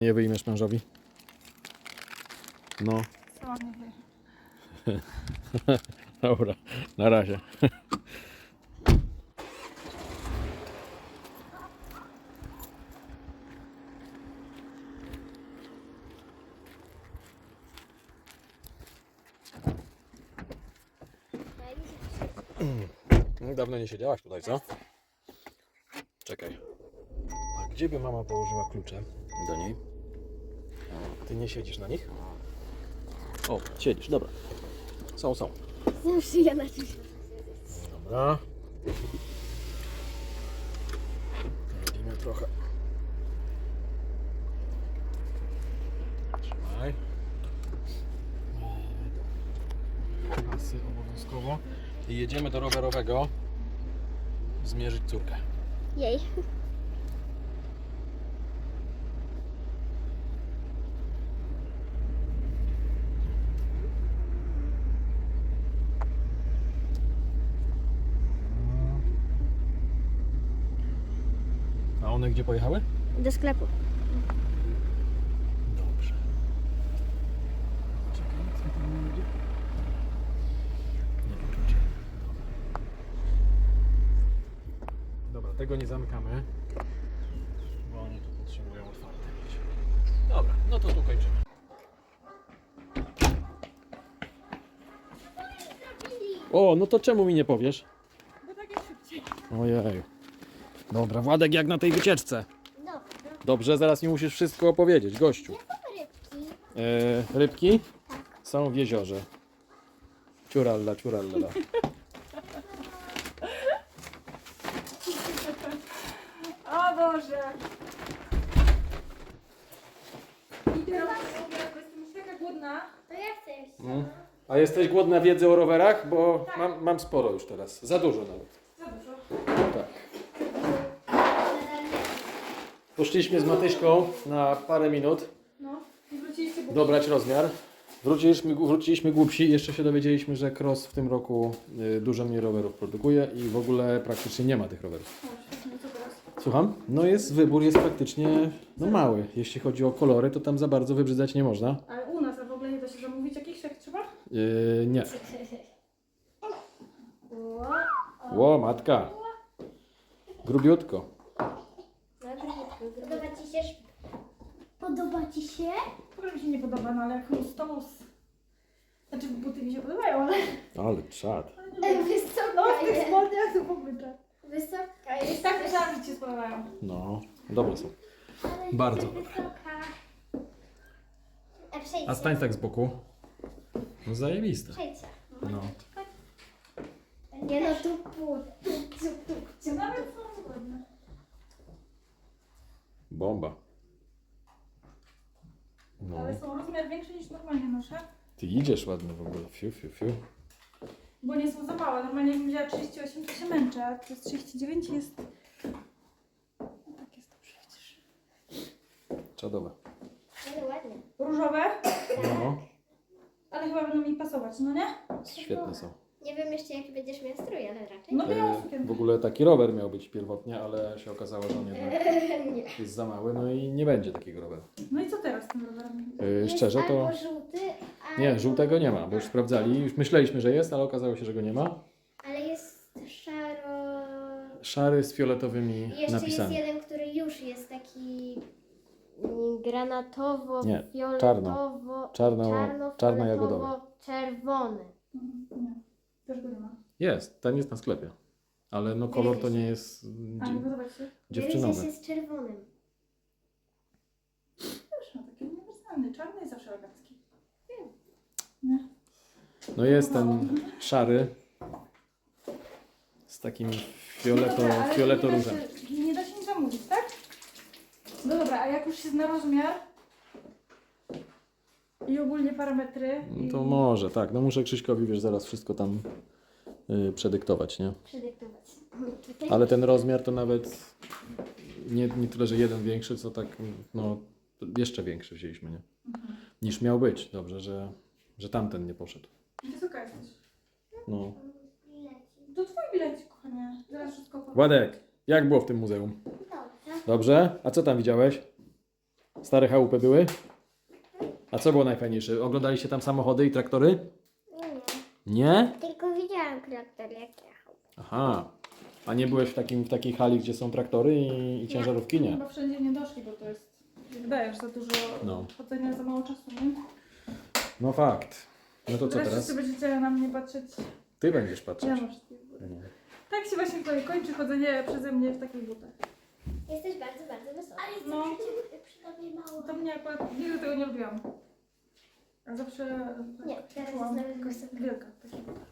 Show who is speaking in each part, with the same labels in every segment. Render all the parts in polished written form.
Speaker 1: Nie wyjmiesz mężowi? No.
Speaker 2: Sama nie wie.
Speaker 1: Dobra, na razie. Dawno nie siedziałaś tutaj, co? Czekaj. A gdzie by mama położyła klucze do niej? Ty nie siedzisz na nich? O, siedzisz, dobra. Są.
Speaker 3: Zawsze ja na czymś.
Speaker 1: Dobra. Robimy trochę. Trzymaj. Pasy obowiązkowo. I jedziemy do rowerowego zmierzyć córkę.
Speaker 3: Jej.
Speaker 1: A one gdzie pojechały?
Speaker 3: Do sklepu.
Speaker 1: Dobrze. Czekaj, co tam jedzie? Nie klucze. Dobra, tego nie zamykamy, bo oni tu potrzebują otwarte mieć. Dobra, no to tu kończymy. O, no to czemu mi nie powiesz?
Speaker 2: Bo tak jest szybciej.
Speaker 1: Ojej. Dobra, Władek jak na tej wycieczce.
Speaker 3: Dobra.
Speaker 1: Dobrze, zaraz mi musisz wszystko opowiedzieć, gościu.
Speaker 3: Rybki.
Speaker 1: Rybki są w jeziorze. Ciuralla.
Speaker 2: O Boże. I teraz bo jestem już taka głodna.
Speaker 3: To ja chcę jeszcze.
Speaker 1: A jesteś głodna wiedzy o rowerach? Bo mam sporo już teraz. Za dużo nawet.
Speaker 2: Za dużo.
Speaker 1: Tak. Poszliśmy z Matyśką na parę minut
Speaker 2: No. I wróciliście bo...
Speaker 1: dobrać rozmiar. Wróciliśmy głupsi. Jeszcze się dowiedzieliśmy, że Cross w tym roku dużo mniej rowerów produkuje i w ogóle praktycznie nie ma tych rowerów.
Speaker 2: O, świetnie, co teraz?
Speaker 1: Słucham? No wybór jest praktycznie mały. Jeśli chodzi o kolory, to tam za bardzo wybrzydzać nie można.
Speaker 2: Ale u nas, a w ogóle nie da się zamówić jakichś jak trzeba?
Speaker 1: Nie.
Speaker 3: Ło.
Speaker 1: Ło, matka. Grubiutko.
Speaker 3: Podoba ci się? Podoba ci się?
Speaker 2: W ogóle mi się nie podoba, no ale jak mus to mus. Znaczy buty mi się podobają, ale...
Speaker 1: Ale czad.
Speaker 3: Wysoka
Speaker 2: No w tych
Speaker 3: jest.
Speaker 2: spodniach to w ogóle tak.
Speaker 3: Wysoka
Speaker 2: I
Speaker 3: jest.
Speaker 2: tak myślałam, że ci się spodobają.
Speaker 1: No, dobre są.
Speaker 3: Ale
Speaker 1: Bardzo.
Speaker 3: wysoka. A przejdźcie.
Speaker 1: A stań tak z boku. No zajebiste.
Speaker 3: Przejdźcie.
Speaker 1: No.
Speaker 3: Nie no, tu.
Speaker 2: Nawet są ładne.
Speaker 1: Bomba. No.
Speaker 2: Ale są rozmiar większy niż normalnie noszę.
Speaker 1: Ty idziesz ładnie w ogóle. Fiu.
Speaker 2: Bo nie są za małe. Normalnie jakbym wzięła 38, to się męczę, a to jest 39 jest... No tak jest dobrze przecież.
Speaker 1: Czadowe.
Speaker 3: Ale ładnie.
Speaker 2: Różowe,
Speaker 1: No.
Speaker 2: ale chyba będą mi pasować, no nie?
Speaker 1: Świetne są.
Speaker 3: Nie wiem jeszcze jaki będziesz miał strój, ale raczej.
Speaker 2: No białą
Speaker 1: W
Speaker 2: sukienkę.
Speaker 1: ogóle taki rower miał być pierwotnie, ale się okazało, że on jednak
Speaker 3: Nie.
Speaker 1: jest za mały, no i nie będzie takiego roweru.
Speaker 2: No i co teraz z tym rowerem?
Speaker 1: Szczerze
Speaker 3: Jest
Speaker 1: to...
Speaker 3: albo żółty,
Speaker 1: Nie,
Speaker 3: albo...
Speaker 1: żółtego nie ma, bo już sprawdzali. Już myśleliśmy, że jest, ale okazało się, że go nie ma.
Speaker 3: Ale jest szaro...
Speaker 1: Szary z fioletowymi
Speaker 3: I jeszcze
Speaker 1: napisami.
Speaker 3: jest jeden, który już jest taki granatowo,
Speaker 1: Nie,
Speaker 3: fioletowo,
Speaker 1: czarno-jagodowy.
Speaker 3: czerwony.
Speaker 2: Nie, też go nie ma.
Speaker 1: Jest, ten jest na sklepie. Ale no kolor to nie jest
Speaker 2: A, nie podoba ci się?
Speaker 1: dziewczynowy.
Speaker 3: jest czerwonym.
Speaker 2: Też ma taki uniwersalny, czarny jest zawsze elegancki.
Speaker 1: No jest ten szary z takim
Speaker 2: Dobra, ale
Speaker 1: fioletoróżem.
Speaker 2: Nie da się nic zamówić, tak? No dobra, a jak już się zna rozmiar i ogólnie parametry...
Speaker 1: No to może, tak. No muszę Krzyśkowi, wiesz, zaraz wszystko tam przedyktować, nie?
Speaker 3: Przedyktować.
Speaker 1: Ale ten rozmiar to nawet nie tyle, że jeden większy, co tak, no jeszcze większy wzięliśmy, nie? Niż miał być. Dobrze, że tamten nie poszedł.
Speaker 2: Wysoka jesteś.
Speaker 1: No.
Speaker 2: To twój bilecik, kochanie. Zaraz wszystko powiem.
Speaker 1: Władek, jak było w tym muzeum?
Speaker 3: Dobrze.
Speaker 1: Dobrze? A co tam widziałeś? Stare chałupy były? A co było najfajniejsze? Oglądaliście tam samochody i traktory?
Speaker 3: Nie.
Speaker 1: Nie?
Speaker 3: Tylko widziałam traktor jak jechał.
Speaker 1: Aha. A nie byłeś w takiej hali, gdzie są traktory i ciężarówki? Nie.
Speaker 2: Chyba wszędzie nie doszli, bo to jest, wydaje, że za dużo
Speaker 1: No.
Speaker 2: chodzenia, za mało czasu, nie?
Speaker 1: No fakt. No to co
Speaker 2: Wreszcie
Speaker 1: teraz?
Speaker 2: sobie będziecie na mnie patrzeć.
Speaker 1: Ty będziesz patrzeć.
Speaker 2: Ja mam wszystkie buty. Tak się właśnie tutaj kończy chodzenie przeze mnie w takich butach.
Speaker 3: Jesteś bardzo, bardzo wysoka. Ale
Speaker 2: No.
Speaker 3: przy tobie mało.
Speaker 2: To mnie akurat nigdy tego nie lubiłam. A zawsze
Speaker 3: Nie, teraz
Speaker 2: czułam
Speaker 3: jest nawet
Speaker 2: jakaś
Speaker 3: wysoka.
Speaker 2: wielka w takich butach.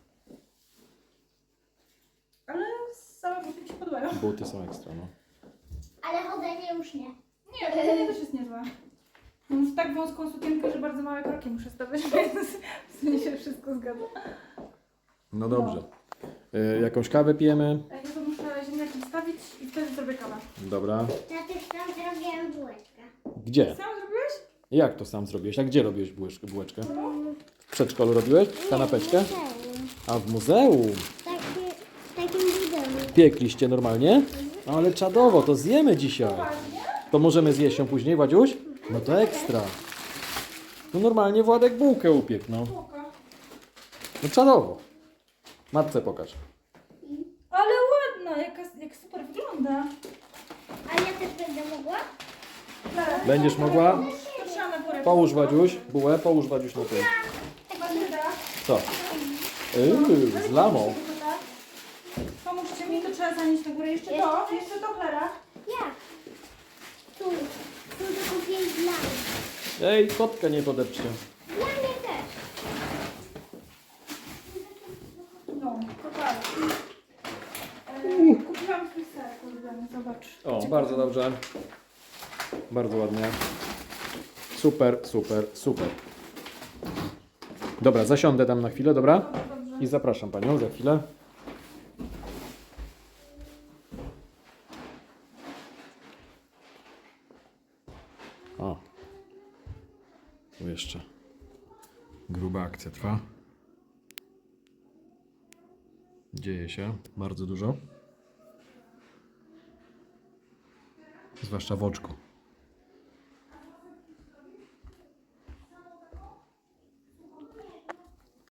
Speaker 2: Ale same buty mi się podobają.
Speaker 1: Buty są ekstra, no.
Speaker 3: Ale chodzenie już nie.
Speaker 2: Nie, chodzenie też jest niezłe. Mam tak wąską sukienkę, że bardzo małe kroki muszę stawiać, więc w sumie się wszystko zgadza.
Speaker 1: No dobrze. Jakąś kawę pijemy?
Speaker 2: A ja to muszę ziemniaki wstawić i wtedy zrobię kawę.
Speaker 1: Dobra.
Speaker 3: Tatuś tam zrobiłem bułeczkę.
Speaker 1: Gdzie?
Speaker 2: Sam zrobiłeś?
Speaker 1: Jak to sam zrobiłeś? A gdzie robiłeś bułeczkę? W przedszkolu robiłeś? Kanapeczkę? A w muzeum?
Speaker 3: W takim budynu.
Speaker 1: Piekliście normalnie? Ale czadowo, to zjemy dzisiaj.
Speaker 2: Poważnie?
Speaker 1: To możemy zjeść ją później, Wadziuś? No to ekstra. No normalnie Władek bułkę upiekł, no.
Speaker 2: Spoko.
Speaker 1: No czadowo. Matce pokaż.
Speaker 2: Ale ładna, jak super wygląda.
Speaker 3: A ja też będę mogła?
Speaker 1: Będziesz mogła?
Speaker 2: To trzeba na górę.
Speaker 1: Połóż Wadziuś bułę, połóż Wadziuś na tym.
Speaker 2: Magda,
Speaker 1: Co? Z lamą.
Speaker 2: pomóżcie mi, to trzeba zanieść na górę. Jeszcze to, Klara.
Speaker 3: Jak? Tu. Tu to kupię dla mnie.
Speaker 1: Ej, kotkę nie podepczcie.
Speaker 3: Dla mnie też.
Speaker 2: No, to tak. Kupiłam swój ser, ulubiony, zobacz.
Speaker 1: O, bardzo dobrze. Bardzo ładnie. Super, super, super. Dobra, zasiądę tam na chwilę, dobra?
Speaker 2: Dobrze.
Speaker 1: I zapraszam Panią za chwilę. O. Tu jeszcze gruba akcja trwa. Dzieje się bardzo dużo. Zwłaszcza w oczku.